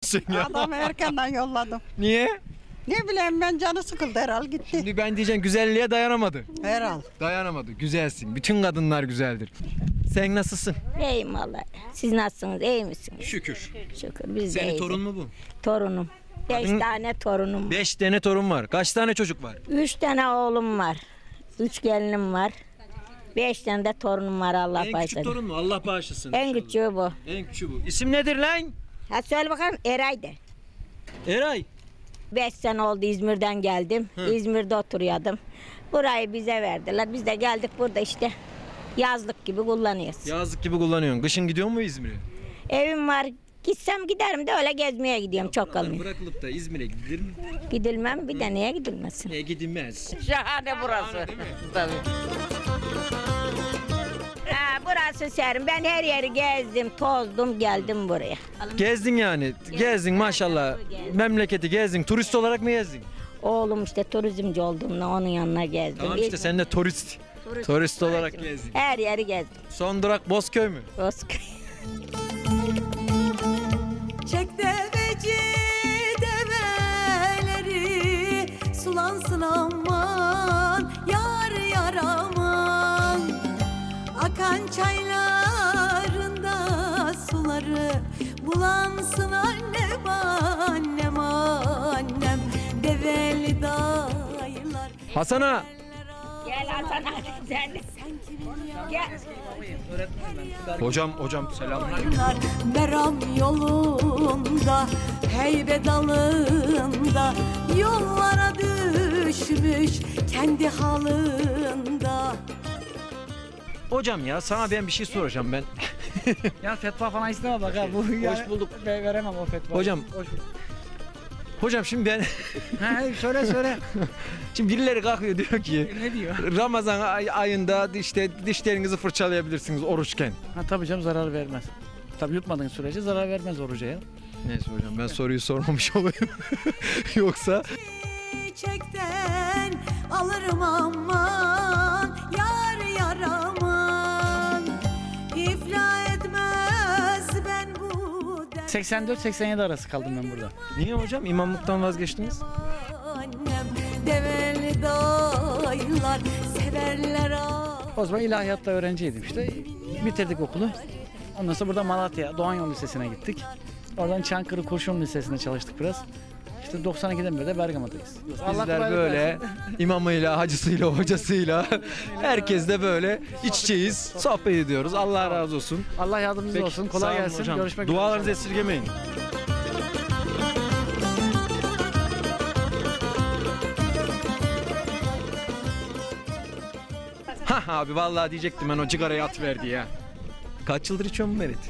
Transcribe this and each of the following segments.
sen ya? Adamı erkenden yolladım. Niye? Ne bileyim ben canı sıkıldı herhal gitti. Şimdi ben diyeceğim güzelliğe dayanamadı. Herhal. Dayanamadı. Güzelsin. Bütün kadınlar güzeldir. Sen nasılsın? İyiyim vallahi. Siz nasılsınız? İyi misiniz? Şükür. Şükür biz de Senin iyiyiz. torun mu bu? Torunum. 5 tane torunum. 5 tane torun var. Kaç tane çocuk var? 3 tane oğlum var. 3 gelinim var. 5 tane de torunum var Allah En küçük bağışlasın. torun mu? Allah bağışlasın. En inşallah. küçüğü bu. En küçüğü bu. İsim nedir lan? Ha söyle bakalım Eray'dı. Eray. 5 sene oldu İzmir'den geldim. İzmir'de oturuyordum. Burayı bize verdiler. Biz de geldik burada işte yazlık gibi kullanıyoruz. Yazlık gibi kullanıyorsun. Kışın gidiyor mu İzmir'e? Evim var. Gitsem giderim de öyle gezmeye gidiyorum. Çok kalmıyor. Bırakılıp da İzmir'e gidilir mi? Gidilmem bir de niye gidilmesin? Gidilmez. Şahane burası. Tabii. Ha, burası serin. Ben her yeri gezdim, tozdum, geldim buraya. Gezdin yani. Gezdin maşallah. Memleketi gezdin. Turist olarak mı gezdin? Oğlum işte turizmci olduğumda onun yanına gezdim. Tamam işte sen de turist. Turist olarak gezdin. Her yeri gezdim. Son durak Bozköy mü? Bozköy. Çek deveci develeri sulansın aman yar yar aman. Akan çaylarında suları bulansın annem annem annem. Develi dayılar. Hasan'a. Gel Hasan abi sen de. Gel. Hocam selamlar. Meram yolunda, heybe dalında, yollara düşmüş kendi halında. Hocam ya sana ben bir şey soracağım ben. Ya fetva falan istemem bak ha. Bu Hoş bulduk. Veremem o fetva. Hocam. Hoş bulduk. Hocam şimdi ben Ha, söyle. şimdi birileri kalkıyor diyor ki Ne diyor? Ramazan ayında işte dişlerinizi fırçalayabilirsiniz oruçken. Ha tabii canım zarar vermez. Tabii yutmadığın sürece zarar vermez oruca ya. Neyse hocam ben soruyu sormamış olayım. Yoksa Çiçekten alırım aman, yar yar aman. İflah etmez ben bu dert. 84-87 arası kaldım ben burada. niye hocam imamlıktan vazgeçtiniz? Annem develi dayılar severler ah. O zaman ilahiyatta öğrenciydim işte. Bitirdik okulu. Ondan sonra burada Malatya Doğan Yol Lisesi'ne gittik. Oradan Çankırı Kurşun Lisesi'nde çalıştık biraz. İşte 92'den beri de Bergama'dayız. Bizler böyle imamıyla, hacısıyla, hocasıyla herkes de böyle iç içeyiz, sohbet ediyoruz. Allah razı olsun. Allah yardımcınız Peki, olsun. sağ Kolay olun gelsin. hocam. Görüşmek üzere. Dualarınızı esirgemeyin. Ha abi vallahi diyecektim ben o cigarayı atıverdi ya. Kaç yıldır içiyorsun bu Meret?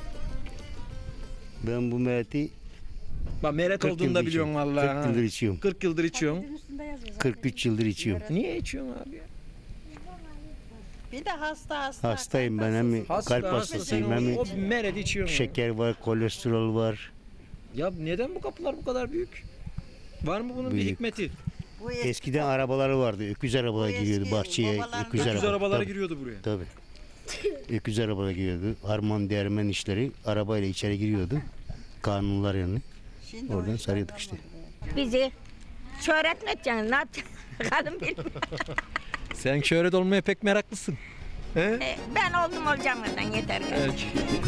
Ben bu Mert'i Bak Meret 40 olduğunu da yıldır biliyorsun içiyorum. vallahi. 40 yıldır içiyorum. 40 yıldır içiyorsun. 43 yıldır içiyorum. Niye içiyorsun abi ya? Bir de hasta. Hastayım ben, hem kalp hastasıyım hem O Meret içiyorsun. şeker var, kolesterol var. Ya neden bu kapılar bu kadar büyük? Var mı bunun bir Büyük. hikmeti? Bu Eskiden arabaları vardı. Öküz arabalar Bu giriyordu eski bahçeye. babalar- Öküz Öküz arabaları Tabii, giriyordu buraya. tabii. Öküz arabalar giriyordu. Harman değirmen işleri arabayla içeri giriyordu. Kanunlar yani. Şimdi Oradan sarıyorduk işte. Bizi şöhret mi edeceksin? Ne yapacaksın? Bakalım bilmiyorum. Sen şöhret olmaya pek meraklısın. He? Ben oldum olacağım oradan yeter. Belki.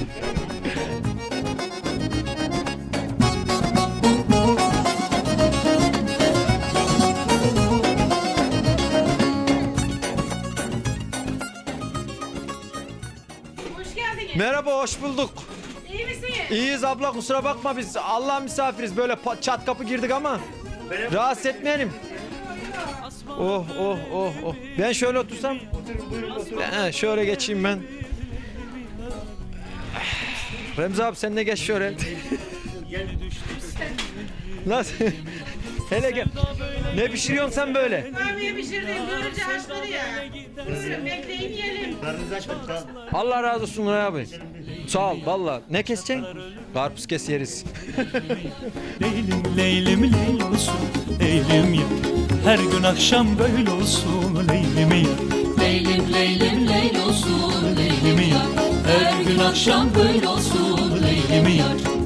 Merhaba, hoş bulduk. İyi misin? İyiyiz abla, kusura bakma biz Allah misafiriz. Böyle çat kapı girdik ama rahatsız etmeyelim. Oh oh oh oh. Ben şöyle otursam. Şöyle geçeyim ben. Remzi abi sen de geç şöyle. Nasıl? Hele gel. Ne pişiriyorsun sen böyle? Kahveye pişirdim, börülce haşları ya. Buyurun bekleyin yiyelim. Allah razı olsun Nuray abi. Sağ ol valla. Ne keseceksin? Karpuz kes yeriz. Leylim leylim leyl olsun leylim ya. Her gün akşam böyle olsun leylim ya. Leylim leylim leyl olsun leylim yar. Her gün akşam böyle olsun leylim yar.